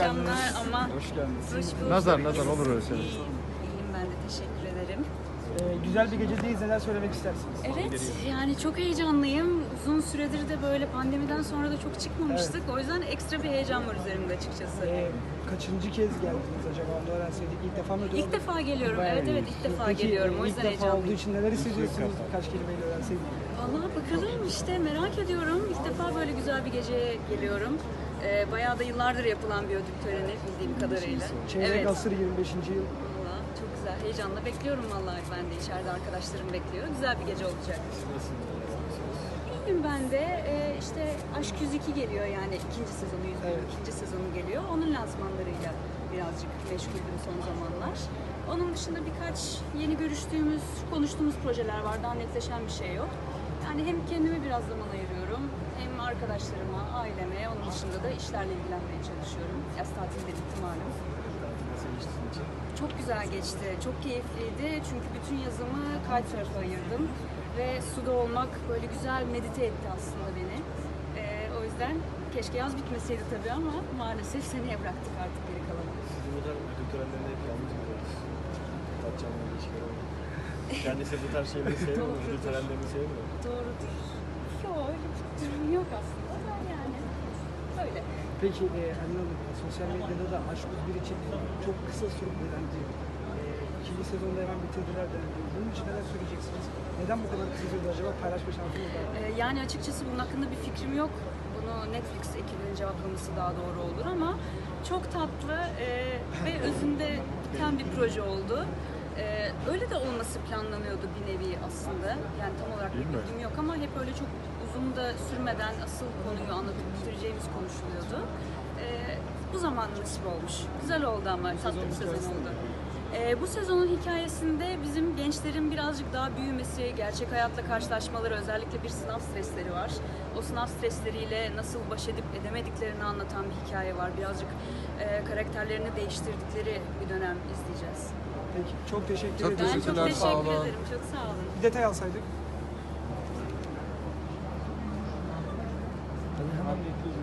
akşamlar ama Hoş geldiniz. hoş bulduk. Nazar olur öyle şeyler. İyiyim ben de, teşekkür ederim. Güzel bir gecedeyiz. Neler söylemek istersiniz? Evet, yani çok heyecanlıyım. Uzun süredir de böyle pandemiden sonra da çok çıkmamıştık. O yüzden ekstra bir heyecan var üzerimde açıkçası. Kaçıncı kez geldiniz acaba? Onu öğrenseydik. İlk defa mı? İlk defa geliyorum. Evet ilk defa Peki, geliyorum. O yüzden İlk defa olduğu heyecanlıyım. için neler hissediyorsunuz? Birkaç kelimeyle öğrenseydik. Vallahi bakalım işte, merak ediyorum. İlk defa böyle güzel bir geceye geliyorum. Bayağı da yıllardır yapılan bir ödül töreni bildiğim kadarıyla. Çeyrek asır 25. yıl. Vallahi çok güzel. Heyecanla bekliyorum vallahi, ben de içeride arkadaşlarım bekliyor. Güzel bir gece olacak. İyiyim ben de. İşte Aşk 102 geliyor, yani ikinci sezonu, 101'in ikinci sezonu geliyor. Onun lansmanlarıyla birazcık meşguldüm son zamanlar. Onun dışında birkaç yeni görüştüğümüz, konuştuğumuz projeler var. Daha netleşen bir şey yok. Yani hem kendime biraz zaman ayırıyorum, hem arkadaşlarıma, aileme, onun dışında da işlerle ilgilenmeye çalışıyorum. Yaz tatili de bitti malum. Çok güzel geçti, çok keyifliydi çünkü bütün yazımı kitesurf'a ayırdım ve suda olmak böyle güzel medite etti aslında beni. O yüzden keşke yaz bitmeseydi tabii ama maalesef seneye bıraktık artık geri kalanı. Siz bu kadar ödül törenlerinde hep yalnız görüyoruz. Tatcan'la ilişkiler oldu. Kendisi bu tarz şeyleri sevmiyor mu? Ödül törenlerini sevmiyor mu? Doğrudur. Yok, öyle bir durum yok aslında da yani öyle. Peki Anne Hanım, sosyal medyada da Aşk 101 için çok kısa sürede dendi. İkinci sezonda hemen bitirdiler dendi. Bunun için neler söyleyeceksiniz? Neden bu kadar kısa sürede acaba, paylaşma şansınız var? Yani açıkçası bunun hakkında bir fikrim yok. Bunu Netflix ekibinin cevaplaması daha doğru olur ama çok tatlı ve özünde biten bir proje oldu. Öyle de olması planlanıyordu bir nevi aslında. Yani tam olarak bir bilgim yok ama hep öyle çok uzun da sürmeden asıl konuyu anlatıp bitireceğimiz konuşuluyordu. Bu zaman nasip olmuş. Güzel oldu ama tatlı bir sezon oldu. Bu sezonun hikayesinde bizim gençlerin birazcık daha büyümesi, gerçek hayatla karşılaşmaları, özellikle bir sınav stresleri var. O sınav stresleriyle nasıl baş edip edemediklerini anlatan bir hikaye var. Birazcık karakterlerini değiştirdikleri bir dönem izleyeceğiz. Peki, çok teşekkür Çok ederim. Ben çok Teşekkürler, sağ teşekkür olun. ederim. Çok sağ olun. Bir detay alsaydık.